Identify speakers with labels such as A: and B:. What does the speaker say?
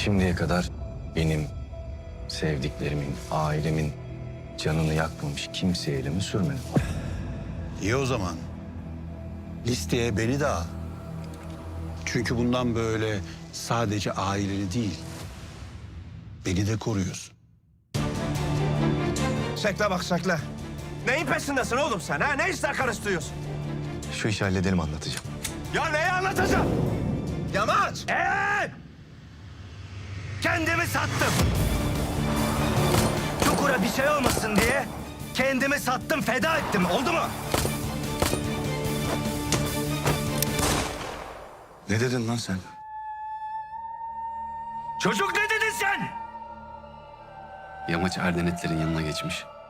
A: Şimdiye kadar benim, sevdiklerimin, ailemin canını yakmamış kimseye elimi sürmedim.
B: İyi o zaman. Listeye beni de al. Çünkü bundan böyle sadece aileni değil, beni de koruyorsun.
C: Şekle bak şekle. Neyin peşindesin oğlum sen ha? Ne işler karıştırıyorsun?
A: Şu işi halledelim, anlatacağım.
C: Ya neyi anlatacağım? Yamaç! Kendimi sattım. Çukura bir şey olmasın diye kendimi sattım, feda ettim. Oldu mu?
A: Ne dedin lan sen?
C: Çocuk ne dedin sen?
D: Yamaç Erdenetlerin yanına geçmiş.